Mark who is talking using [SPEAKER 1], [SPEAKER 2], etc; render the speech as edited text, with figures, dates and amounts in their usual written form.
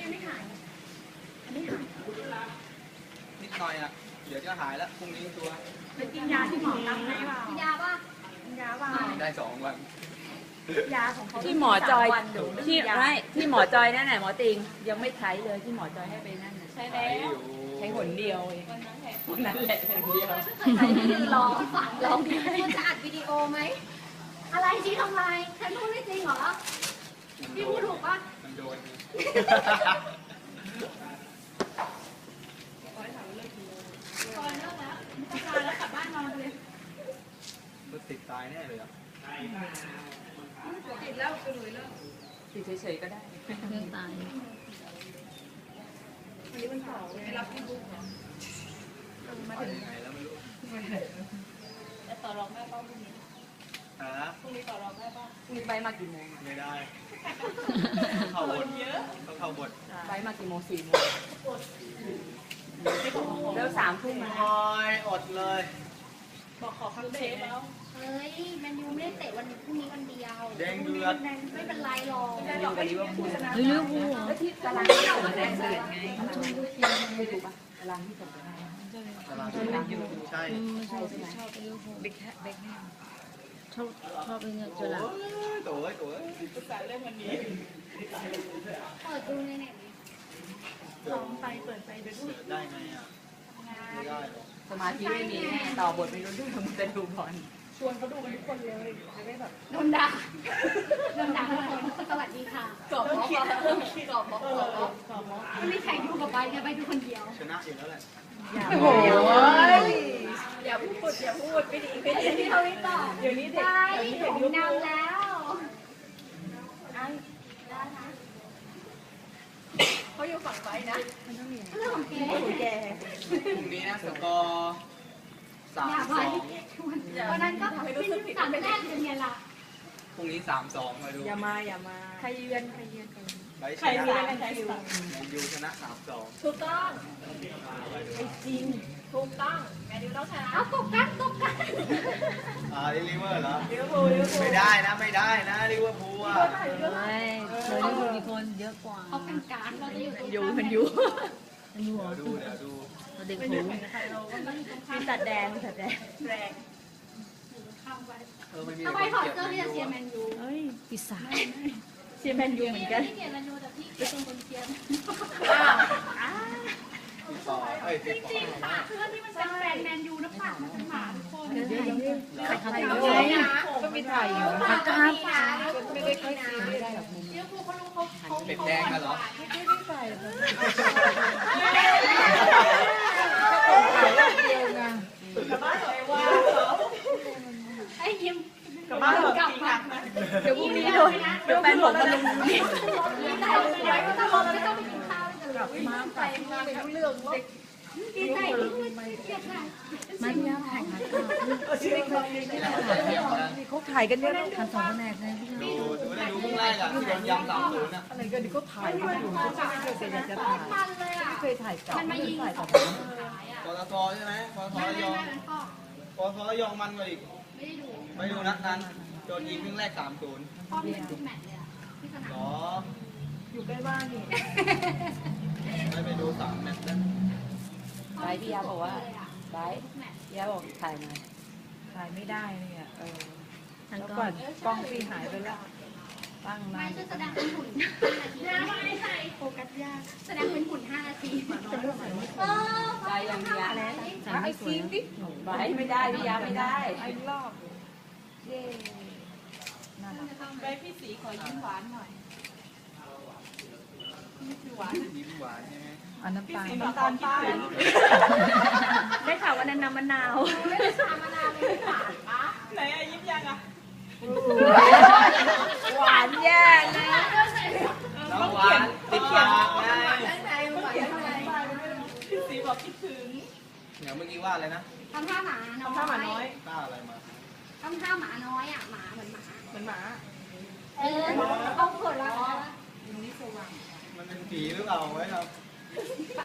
[SPEAKER 1] ยังไม่หายอันนี้หาย
[SPEAKER 2] นิดหน่อยอ่ะเดี๋ยวจะหายแล้วพรุ่งนี้ตัว
[SPEAKER 1] ไปกินยาที่หมอตั้งให้เปล่ากินยาป่ะกินยาป่ะ
[SPEAKER 2] ได้2 วัน
[SPEAKER 1] ยาของเขา
[SPEAKER 3] ที่หมอจอยที่หมอจอยนั่นแหละหมอติงยังไม่ใช้เลยที่หมอจอยให้ไปนั่นใช้แล้วใช้หนเดียวเองวันนั้นแหละหนเดียว
[SPEAKER 1] ใส่ที่ลองดีคุณจะอัดวิดีโอไหมอะไรชี้ทำไมฉันพูดไม่จริงเหรอพี่พูดถูกป่ะ
[SPEAKER 2] มันโดน
[SPEAKER 1] แล้วกลับบ้านนอนเลย
[SPEAKER 2] รถติดตายแน่เลยอ่ะ
[SPEAKER 1] ติดแล้วไปเลยแล้ว
[SPEAKER 3] ติดเฉยๆก็ได้
[SPEAKER 4] เรื่องตาย
[SPEAKER 1] วันนี้มันเผาไม่รับที่บุกเหรอ
[SPEAKER 2] มาถึงไหนแล้วไม่รู้
[SPEAKER 1] จะต่อรองแม่ป้าพรุ่งนี้พรุ่งนี้ต่อรองแม่ป้า
[SPEAKER 3] มีไปมากี่โมง
[SPEAKER 2] ไม่ได้เข้าบทต้องเข้าบท
[SPEAKER 3] ไปมากี่โมง4 โมงแล้ว3 ทุ่มมา
[SPEAKER 2] อดเลย
[SPEAKER 1] บอกขอคัพเค้กแล้วเฮ้ยแมนยูไม่ได้เตะวันพรุ่งนี้วันเดียว
[SPEAKER 2] แดงเดือด
[SPEAKER 1] ไม่เป็นไรหรอก
[SPEAKER 3] ไม่ได้กับลิเวอร์พูล
[SPEAKER 4] หรือลิเวอร์พูล
[SPEAKER 3] แล้วที่ตารางที่ส่งแดงเดือดไงไม่ดูป่ะตารางที่ส่งไปให้
[SPEAKER 2] ตารางที่อยู่ใช่
[SPEAKER 4] ชอบลิเวอร์พูลเบคแฮมชอบเป็นจุฬา
[SPEAKER 2] ตัว
[SPEAKER 1] ภาษาเรื่องวันนี้เปิดดูในเน็ตลองไปเปิดไปดู
[SPEAKER 2] ได้ไงอ่ะไม่ได้
[SPEAKER 3] สมาธิไม่มีต่อบทไม่รู้เรื่องมันจะดูบอล
[SPEAKER 1] ชวนเขาดูกันทุกคนเลยจะได้แบบโดนด่าทุกคนสวัสดีค่ะ
[SPEAKER 3] กรอบม็อก
[SPEAKER 1] ไม่มีใครดูกับไปไงไปดูคนเดียว
[SPEAKER 2] ชนะอยู่แล้วแหละ
[SPEAKER 3] โอ้โห
[SPEAKER 1] อย่าพูดไม่ดีที่เขาไม่ตอบเดี๋ยวนี้เด็กผมนำแล้วเขาอยู่ฝั่งไว้นะเรื่องของแก
[SPEAKER 2] พรุ่งนี้นะสกอร์3-2
[SPEAKER 1] วันนั้นก็พี่3 แรกเป็นไงล่ะ
[SPEAKER 2] พรุ่งนี้3-2มาดู
[SPEAKER 3] อย่ามา
[SPEAKER 1] ใครเยือน
[SPEAKER 2] ใครชนะแมนยูชนะ3-2
[SPEAKER 1] ถูกต้องจริงถูกต้องแมนยูต้องชนะเอาตกกัน
[SPEAKER 2] ลิเวอร์เหรอไม่ได้นะลิเวอร์พูลอ่ะ
[SPEAKER 4] ไม่ลิเวอร์พูลมีคนเยอะกว่า
[SPEAKER 1] เขาเป็นการเราจะ
[SPEAKER 3] อยู่มันอยู่
[SPEAKER 2] เดี๋ยวดู
[SPEAKER 4] เด็กหู
[SPEAKER 3] มีตัดแดง
[SPEAKER 1] แรงทำไมถอดเสื้อที่จะเชียร์แมนยู
[SPEAKER 4] ปีศาจ
[SPEAKER 3] เชียร์แมนยูเหมือนกัน
[SPEAKER 1] พี่เชียร์แมนยูแต่พี่เป็นคนเชียร์จริงๆปากเพื่อนที่มันเป็นแฟนแมนยูนะปากมันเป็นหมาทุกคน
[SPEAKER 3] ก็มีถ่ายอยู่
[SPEAKER 4] ครับ
[SPEAKER 3] ไม่ได้ค่อยซีไม่ได้หรอก
[SPEAKER 1] เดี๋ยวครูเขารู้เขา
[SPEAKER 2] เป็นแดงกันเหรอ
[SPEAKER 3] ไม่ได้ใส่ถ่ายรอบเดียวไง
[SPEAKER 1] กับบ้านเลยว่าไอ้ยิ้ม
[SPEAKER 3] กับบ้านกลับมาเดี๋ยวพรุ่งนี้โดนแฟนผมมาลงนี่
[SPEAKER 1] ไม่ต้องไปกินข้าวกันหรอก
[SPEAKER 3] มาไปไม่รู้เรื่องว่า
[SPEAKER 1] ดีใจเกียดค่ะ
[SPEAKER 4] มาที่แล้วถ่ายมาก็
[SPEAKER 3] เขาถ่ายกันเยอะ
[SPEAKER 4] ทำ2 แผนกเลย
[SPEAKER 2] ดูได้ดูเพิ่งไล่กับที่โดนยำ3-0นะ
[SPEAKER 3] อะไรกันดิเขาถ่ายกันอยู่ไม่เคยจะถ่ายไม่เคยถ่ายกับ
[SPEAKER 1] มันมายิง
[SPEAKER 3] ถ่ายกับ
[SPEAKER 2] ปตทใช่ไหมปตทระยองมันกว่าอีกไม่ดูนัดนั้นโดนยิงครึ่งแรก3-0
[SPEAKER 1] พ่อมีทุกแมตช์เลยอ่ะที่สนาม
[SPEAKER 3] อยู่ใกล้บ้านนี่
[SPEAKER 2] ไม่ไปดู3 แมตช์แล้ว
[SPEAKER 3] ไปพี่ยาบอกว่าไปพี่ยาบอกถ่ายหน่อยถ่ายไม่ได้เนี่ยแล้วก่อนกล้องพี่หายไปแล้วตั้งมา
[SPEAKER 1] ไม่แสดงเป็นหุ่นไม่ใช่โฟกัสยากแสดงเป็นหุ่น5 นาที
[SPEAKER 3] ได้ยังพี่ยาแล้วไอ้ซีนดิไม่ได้พี่ยาไม่ได้ไอ้รอบเย้
[SPEAKER 1] ไปพี่สีขอยิ้มหวานหน่อย
[SPEAKER 2] ยิ้มหวานใช่ไหม
[SPEAKER 3] อันน้ำตาล
[SPEAKER 1] ป้า
[SPEAKER 3] ได้ข่าวว่าน้ำมะนาว
[SPEAKER 1] ไม่ได้ชามะนาวเลยหวานปะไหนอะยิ้มยังอะ
[SPEAKER 3] หวานแย่นะ
[SPEAKER 2] น้ำหวานติดปากไง
[SPEAKER 1] พี่สีบอกคิดถึง
[SPEAKER 2] เดี๋ยวเมื่อกี้ว่าอะไรนะ
[SPEAKER 1] ทำท่าหมาน้อย
[SPEAKER 2] ท่าอะไรมา
[SPEAKER 1] ทำท่าหมาน้อยอ่ะหมาเหมือนหมา
[SPEAKER 3] เอาเกิดแล้ว
[SPEAKER 1] ยิ้มนี่สว่าง
[SPEAKER 2] มันเป็นผีหรือเปล่าไว้เรา